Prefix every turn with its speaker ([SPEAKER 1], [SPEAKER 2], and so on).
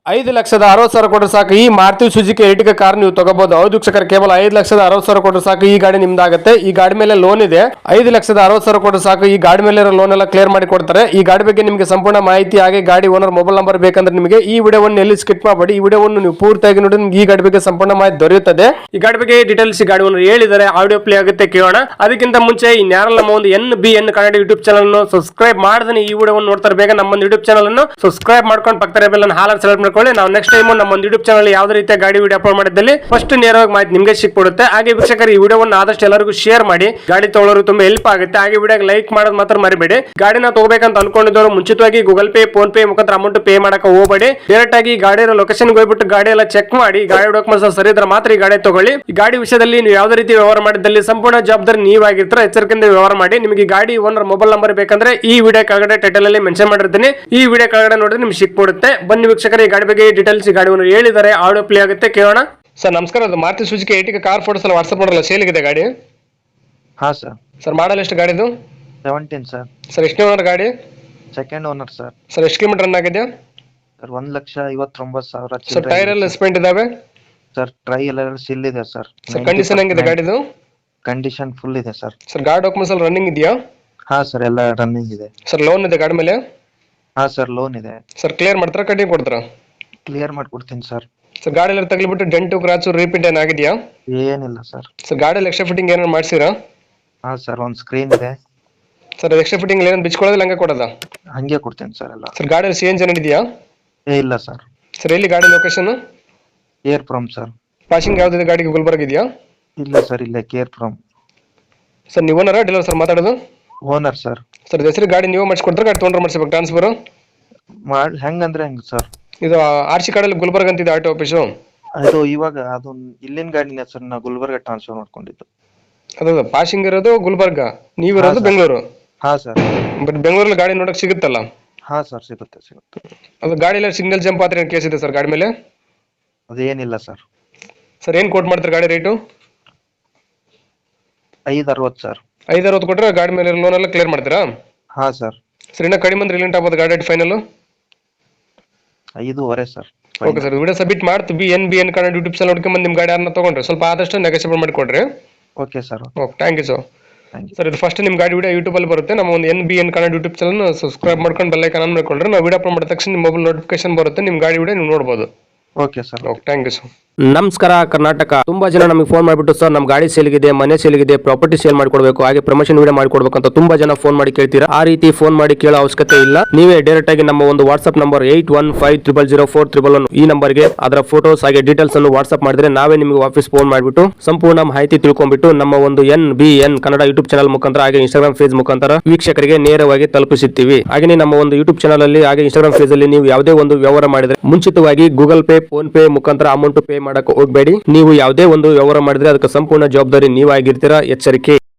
[SPEAKER 1] 5,60,000 ಕೊಟ್ಟರೆ ಸಾಕು ಈ ಮಾರುತಿ ಸುಜುಕಿ ಎರ್ಟಿಗಾ ಕಾರ್ ನೀವು ತಗೋಬಹುದು. ಹೌದು ವೀಕ್ಷಕರೇ, ಕೇವಲ 5,60,000 ಕೊಟ್ಟರೆ ಸಾಕು ಈ ಗಾಡಿ ನಿಮ್ದಾಗುತ್ತೆ. ಈ ಗಾಡಿ ಮೇಲೆ ಲೋನ್ ಇದೆ. 5,60,000 ಕೊಟ್ಟರೆ ಸಾಕು ಈ ಗಾಡಿ ಮೇಲೆ ಲೋನ್ ಎಲ್ಲ ಕ್ಲಿಯರ್ ಮಾಡಿ ಕೊಡ್ತಾರೆ. ಈ ಗಾಡಿ ಬಗ್ಗೆ ನಿಮಗೆ ಸಂಪೂರ್ಣ ಮಾಹಿತಿ ಹಾಗೆ ಗಾಡಿ ಓನರ್ ಮೊಬೈಲ್ ನಂಬರ್ ಬೇಕಂದ್ರೆ ನಿಮಗೆ ಈ ವಿಡಿಯೋವನ್ನು ಎಲ್ಲಿ ಸ್ಕಿಪ್ ಮಾಡಬೇಡಿ. ಈ ವಿಡಿಯೋವನ್ನು ನೀವು ಪೂರ್ತಿಯಾಗಿ ನೋಡಿ ನಿಮ್ಗೆ ಈ ಗಾಡಿ ಬಗ್ಗೆ ಸಂಪೂರ್ಣ ಮಾಹಿತಿ ದೊರೆಯುತ್ತದೆ. ಈ ಗಾಡಿ ಬಗ್ಗೆ ಡೀಟೇಲ್ಸ್ ಈ ಗಾಡಿ ಓನರ್ ಹೇಳಿದ್ದಾರೆ, ಆಡಿಯೋ ಪ್ಲೇ ಆಗುತ್ತೆ, ಕೇಳೋಣ. ಅದಕ್ಕಿಂತ ಮುಂಚೆ ಈ ನ್ಯಾರಲ್ ನಮ್ಮ ಒಂದು NBN ಕನ್ನಡ ಯೂಟ್ಯೂಬ್ ಚಾನಲ್ ಅನ್ನು ಸಬ್ಸ್ಕ್ರೈಬ್ ಮಾಡಿದ್ರೆ ಈ ವಿಡಿಯೋವನ್ನು ನೋಡ್ತಾರೆ ಬೇಗ ನಮ್ಮ ಯೂಟ್ಯೂಬ್ ಚಾನಲ್ ಅನ್ನು ಸಬ್ಸ್ಕ್ರೈಬ್ ಮಾಡ್ಕೊಂಡು ಪಕ್ಕದ ಬೆಲ್ ಅನ್ನು ಹಾಲ್ ಸೆಲೆಕ್ಟ್ ಮಾಡ್ಕೊಳ್ಳಿ. ನಾವು ನೆಕ್ಸ್ಟ್ ಟೈಮ್ ನಮ್ಮ ಒಂದು ಯೂಟ್ಯೂಬ್ ಚಾನಲ್ ಯಾವುದೇ ರೀತಿಯ ಗಾಡಿ ವಿಡಿಯೋ ಅಪ್ಲೋಡ್ ಮಾಡಿದಲ್ಲಿ ಫಸ್ಟ್ ನೇರವಾಗಿ ಮಾಹಿತಿ ನಿಮಗೆ ಸಿಕ್ಬಿಡುತ್ತೆ. ಹಾಗೆ ವೀಕ್ಷಕರು ಈ ವಿಡಿಯೋವನ್ನು ಆದಷ್ಟು ಎಲ್ಲರಿಗೂ ಶೇರ್ ಮಾಡಿ, ಗಾಡಿ ತಗೊಳ್ಳೋರು ತುಂಬಾ ಹೆಲ್ಪ್ ಆಗುತ್ತೆ. ಹಾಗೆ ವಿಡಿಯೋಗೆ ಲೈಕ್ ಮಾಡೋದು ಮಾತ್ರ ಮರಿಬೇಡಿ. ಗಾಡಿನ ತಗೋಬೇಕಂತ ಅನ್ಕೊಂಡಿದ್ದವರು ಮುಂಚಿತವಾಗಿ ಗೂಗಲ್ ಪೇ, ಫೋನ್ ಪೇ ಮುಖಾಂತರ ಅಮೌಂಟ್ ಪೇ ಮಾಡಕ್ಕೆ ಹೋಗಬೇಡಿ. ಡೈರೆಕ್ಟ್ ಆಗಿ ಗಾಡಿ ಲೊಕೇಶನ್ ಹೋಗ್ಬಿಟ್ಟು ಗಾಡಿ ಎಲ್ಲ ಚೆಕ್ ಮಾಡಿ, ಗಾಡಿ ಡಾಕ್ಯುಮೆಂಟ್ಸ್ ಸರಿ ಇದ್ರೆ ಮಾತ್ರ ಈ ಗಾಡಿ ತಗೊಳ್ಳಿ. ಈ ಗಾಡಿ ವಿಷಯದಲ್ಲಿ ನೀವು ಯಾವುದೇ ರೀತಿ ವ್ಯವಹಾರ ಮಾಡಿದಲ್ಲಿ ಸಂಪೂರ್ಣ ಜವಾಬ್ದಾರಿ ನೀವಾಗಿರ್ತೀರ. ಎಚ್ಚರಿಕೆಯಿಂದ ವ್ಯವಹಾರ ಮಾಡಿ. ನಿಮಗೆ ಗಾಡಿ ಓನರ್ ಮೊಬೈಲ್ ನಂಬರ್ ಬೇಕಂದ್ರೆ ಈ ವಿಡಿಯೋ ಕೆಳಗಡೆ ಟೈಟಲ್ ಅಲ್ಲಿ ಮೆನ್ಷನ್ ಮಾಡಿರ್ತೀನಿ. ಈ ವಿಡಿಯೋ ಕೆಳಗಡೆ ನೋಡಿದ್ರೆ ನಿಮ್ಗೆ ಸಿಕ್ಬಿಡುತ್ತೆ. ಬನ್ನಿ ವೀಕ್ಷಕರೇ, ಈ ಗಾಡಿ ಬಗ್ಗೆ ಡೀಟೇಲ್ಸ್ ಗಾಡಿ ಓನರ್ ಹೇಳಿದ್ದಾರೆ, ಆಡಿಯೋ ಪ್ಲೇ ಆಗುತ್ತೆ, ಕೇಳೋಣ. ಸರ್ ನಮಸ್ಕಾರ, ಅದು Maruti Suzuki Ertiga car photos ಎಲ್ಲ ವಾಟ್ಸ್ಆಪ್ ಮಾಡಲ್ಲ, ಸೇಲ್ ಇದೆ ಗಾಡಿ?
[SPEAKER 2] ಹಾ ಸರ್.
[SPEAKER 1] ಸರ್ ಮಾಡಲ್ ಎಷ್ಟು ಗಾಡಿದು?
[SPEAKER 2] 17 ಸರ್.
[SPEAKER 1] ಸರ್ ಎಷ್ಟನೇ ಓನರ್ ಗಾಡಿ?
[SPEAKER 2] Second owner sir.
[SPEAKER 1] ಸರ್ ಎಷ್ಟು ಕಿಲೋಮೀಟರ್ ರನ್ ಆಗಿದೆ?
[SPEAKER 2] ಸರ್ 1,59,000.
[SPEAKER 1] ಸರ್ ಟೈರ್ ಎಲ್ಲ ಸ್ಪೆಂಟ್ ಇದಾವೆ?
[SPEAKER 2] ಸರ್ ಟ್ರೈ ಎಲ್ಲ ಸಿಲ್ ಇದೆ ಸರ್.
[SPEAKER 1] ಸರ್ ಕಂಡೀಷನ್ ಹೆಂಗಿದೆ ಗಾಡಿದು?
[SPEAKER 2] ಕಂಡೀಷನ್ ಫುಲ್ ಇದೆ ಸರ್.
[SPEAKER 1] ಸರ್ ಗಾಡಿ ಡಾಕ್ಯುಮೆಂಟ್ಸ್ ಎಲ್ಲ ರನ್ನಿಂಗ್ ಇದೆಯಾ?
[SPEAKER 2] ಹಾ ಸರ್, ಎಲ್ಲ ರನ್ನಿಂಗ್ ಇದೆ.
[SPEAKER 1] ಸರ್ ಲೋನ್ ಇದೆ ಗಾಡಿ ಮೇಲೆ?
[SPEAKER 2] ಹಾ ಸರ್, ಲೋನ್ ಇದೆ.
[SPEAKER 1] ಸರ್ ಕ್ಲಿಯರ್ ಮಾಡ್ತಾರಾ ಕಟ್ಟಿಂಗ್ ಕೊಡ್ತಾರಾ?
[SPEAKER 2] ಕ್ಲಿಯರ್ ಮಾಡ್ಕೊಡ್ತೀನಿ ಸರ್.
[SPEAKER 1] ಸರ್ ಗಾಡಿ ಎಲ್ಲ ತಗಲಿಬಿಟ್ಟು ಡೆಂಟು ಕ್ರಾಚು ರಿಪೀಟ್ ಏನಾಗಿದೆಯಾ?
[SPEAKER 2] ಏನಿಲ್ಲ ಸರ್.
[SPEAKER 1] ಸರ್ ಗಾಡಿಯಲ್ಲಿ ಎಕ್ಸ್ಟ್ರಾ ಫಿಟ್ಟಿಂಗ್ ಏನಾರು ಮಾಡಿಸಿರಾ?
[SPEAKER 2] ಹಾ ಸರ್, ಒಂದು ಸ್ಕ್ರೀನ್ ಇದೆ.
[SPEAKER 1] ಸರ್ ಎಕ್ಸ್ಟ್ರಾ ಫಿಟ್ಟಿಂಗ್ ಏನಾದ್ರು ಬಿಚ್ಕೊಳ್ಳೋದಿಲ್ಲ, ಹಂಗೆ ಕೊಡೋದಾ?
[SPEAKER 2] ಹಂಗೆ ಕೊಡ್ತೀನಿ ಸರ್ ಎಲ್ಲ.
[SPEAKER 1] ಸರ್ ಗಾಡಿಯಲ್ಲಿ CNG ಏನಾರು ಇದೆಯಾ?
[SPEAKER 2] ಇಲ್ಲ ಸರ್.
[SPEAKER 1] ಸರ್ ಎಲ್ಲಿ ಗಾಡಿ ಲೊಕೇಶನ್?
[SPEAKER 2] ಕೇರ್ ಫ್ರಮ್ ಸರ್.
[SPEAKER 1] ಪಾಸಿಂಗ್ ಯಾವ್ದಿದೆ ಗಾಡಿಗೆ? ಗುಲ್ಬರ್ಗ ಇದೆಯಾ?
[SPEAKER 2] ಇಲ್ಲ ಸರ್, ಇಲ್ಲ ಕೇರ್ ಫ್ರಮ್.
[SPEAKER 1] ಸರ್ ನೀವು ಓನರಾ ಡೀಲರ್ ಸರ್ ಮಾತಾಡೋದು?
[SPEAKER 2] Owner sir.
[SPEAKER 1] ಸರ್ ಹೆಸರು ಗಾಡಿ ನೀವು ಮಾಡಿಸ್ಕೊಡ್ತಾರೆ, ಗಾಡಿ ತೊಗೊಂಡ್ರೆ ಮಾಡಿಸ್ಬೇಕು ಟ್ರಾನ್ಸ್ಫರ್?
[SPEAKER 2] ಹೆಂಗಂದ್ರೆ ಹೆಂಗ್ ಸರ್?
[SPEAKER 1] ಇದು RC ಕಾರ್ಡಲ್ಲಿ ಗುಲ್ಬರ್ಗ ಅಂತಿದೆ ಆಟೋ ಆಫೀಸು.
[SPEAKER 2] ಅದು ಇವಾಗ ಅದು ಇಲ್ಲಿನ ಗಾಡಿನ ಸರ್, ನಾ ಗುಲ್ಬರ್ಗ ಟ್ರಾನ್ಸ್ಫರ್ ಮಾಡ್ಕೊಂಡಿದ್ದು.
[SPEAKER 1] ಅದು ಪಾಸಿಂಗ್ ಇರೋದು ಗುಲ್ಬರ್ಗ, ನೀವಿರೋದು ಬೆಂಗಳೂರು.
[SPEAKER 2] ಹಾ ಸರ್.
[SPEAKER 1] ಬಟ್ ಬೆಂಗಳೂರಲ್ಲಿ ಗಾಡಿ ನೋಡಕ್ ಸಿಗುತ್ತಲ್ಲ?
[SPEAKER 2] ಹಾ ಸರ್, ಸಿಗುತ್ತೆ.
[SPEAKER 1] ಅದು ಗಾಡಿ ಎಲ್ಲ ಸಿಗ್ನಲ್ ಜಂಪ್ ಆದ್ರೆ ಏನು ಕೇಸ್ ಇದೆ ಸರ್ ಗಾಡಿ ಮೇಲೆ?
[SPEAKER 2] ಅದೇನಿಲ್ಲ ಸರ್.
[SPEAKER 1] ಸರ್ ಏನು ಕೋಟ್ ಮಾಡ್ತಾರೆ ಗಾಡಿ ರೇಟು?
[SPEAKER 2] 560 ಸರ್.
[SPEAKER 1] 560 ಕೊಟ್ಟರೆ ಗಾಡಿ ಮೇಲೆ ಲೋನ್ ಎಲ್ಲ ಕ್ಲಿಯರ್ ಮಾಡ್ತೀರಾ?
[SPEAKER 2] ಹಾ ಸರ್.
[SPEAKER 1] ಸರ್ ಇನ್ನೂ ಕಡಿಮೆ ಅಂದ್ರೆ ರಿಲೆಂಟ್ ಆಗ್ಬೋದು ಗಾಡಿ final?
[SPEAKER 2] 5.5 sir.
[SPEAKER 1] Okay sir, video submit ಮಾಡ್ತೀವಿ. NBN ಕನ್ನಡ ಯೂಟ್ಯೂಬ್ ಚಾನಲ್ ನೋಡ್ಕೊಂಡ್ಬಂದು ನಿಮ್ಮ ಗಾಡಿ ಯಾರನ್ನ ತೊಗೊಂಡ್ರೆ ಸ್ವಲ್ಪ ಆದಷ್ಟು ನೆಗೋಷಿಯೇಟ್ ಮಾಡಿಕೊಡ್ರಿ.
[SPEAKER 2] Okay sir.
[SPEAKER 1] Okay, thank you sir.
[SPEAKER 2] Thank you
[SPEAKER 1] sir ಇದು ಫಸ್ಟ್ ನಿಮ್ಮ ಗಾಡಿ ವಿಡಿಯೋ ಯೂಟ್ಯೂಬಲ್ಲಿ ಬರುತ್ತೆ. ನಮ್ಮ ಒಂದು NBN Kannada YouTube channel subscribe ಮಾಡ್ಕೊಂಡು ಬೆಲ್ ಐಕಾನ್ ಆನ್ ಮಾಡ್ಕೊಂಡ್ರೆ ನಾವು ವಿಡಿಯೋ ಅಪ್ಲೋಡ್ ಮಾಡಿದ ತಕ್ಷಣ ನಿಮ್ಮ ಮೊಬೈಲ್ ನೋಟಿಫಿಕೇಶನ್ ಬರುತ್ತೆ, ನಿಮ್ಮ ಗಾಡಿ ವಿಡಿಯೋ ನೀವು ನೋಡ್ಬೋದು.
[SPEAKER 2] Okay sir.
[SPEAKER 1] Okay, thank you sir.
[SPEAKER 3] ನಮಸ್ಕಾರ ಕರ್ನಾಟಕ. ತುಂಬಾ ಜನ ನಮಗೆ ಫೋನ್ ಮಾಡಿಬಿಟ್ಟು ಸರ್ ನಮ್ಮ ಗಾಡಿ ಸೇಲ್ಗಿದೆ, ಮನೆ ಸೇಲ್ಗಿದೆ, ಪ್ರಾಪರ್ಟಿ ಸೇಲ್ ಮಾಡ್ಕೊಡ್ಬೇಕು, ಹಾಗೆ ಪ್ರಮೋಷನ್ ವಿಡಿಯೋ ಮಾಡ್ಕೊಡ್ಬೇಕು ಅಂತ ತುಂಬಾ ಜನ ಫೋನ್ ಮಾಡಿ ಕೇಳ್ತೀರಾ. ಆ ರೀತಿ ಫೋನ್ ಮಾಡಿ ಕೇಳೋ ಅವಶ್ಯಕತೆ ಇಲ್ಲ. ನೀವೇ ಡೈರೆಕ್ಟ್ ಆಗಿ ನಮ್ಮ ಒಂದು ವಾಟ್ಸ್ಆಪ್ ನಂಬರ್ 81500411 ಈ ನಂಬರ್ಗೆ ಅದರ ಫೋಟೋಸ್ ಹಾಗೆ ಡೀಟೇಲ್ಸ್ ಅನ್ನು ವಾಟ್ಸ್ಆಪ್ ಮಾಡಿದ್ರೆ ನಾವೇ ನಿಮಗೆ ವಾಪಸ್ ಫೋನ್ ಮಾಡಿಬಿಟ್ಟು ಸಂಪೂರ್ಣ ಮಾಹಿತಿ ತಿಳ್ಕೊಂಡ್ಬಿಟ್ಟು ನಮ್ಮ ಒಂದು NBN ಕನ್ನಡ ಯೂಟ್ಯೂಬ್ ಚಾನಲ್ ಮುಖಾಂತರ ಹಾಗೆ ಇನ್ಸ್ಟಾಗ್ರಾಮ್ ಪೇಜ್ ಮುಖಾಂತರ ವೀಕ್ಷಕರಿಗೆ ನೇರವಾಗಿ ತಲುಪಿಸುತ್ತೀವಿ. ಹಾಗೆ ನಮ್ಮ ಒಂದು ಯೂಟ್ಯೂಬ್ ಚಾನಲ್ ಅಲ್ಲಿ ಹಾಗೆ ಇನ್ಸ್ಟಾಗ್ರಾಮ್ ಪೇಜ್ ಅಲ್ಲಿ ನೀವು ಯಾವುದೇ ಒಂದು ವ್ಯವಹಾರ ಮಾಡಿದ್ರೆ ಮುಂಚಿತವಾಗಿ ಗೂಗಲ್ ಪೇ, ಫೋನ್ ಪೇ ಮುಖಾಂತರ ಅಮೌಂಟ್ ಪೇ ಮಾಡಕ್ಕೆ ಹೋಗಬೇಡಿ. ನೀವು ಯಾವುದೇ ಒಂದು ವ್ಯವಹಾರ ಮಾಡಿದ್ರೆ ಅದಕ್ಕೆ ಸಂಪೂರ್ಣ ಜವಾಬ್ದಾರಿ ನೀವಾಗಿರ್ತೀರಾ. ಎಚ್ಚರಿಕೆ.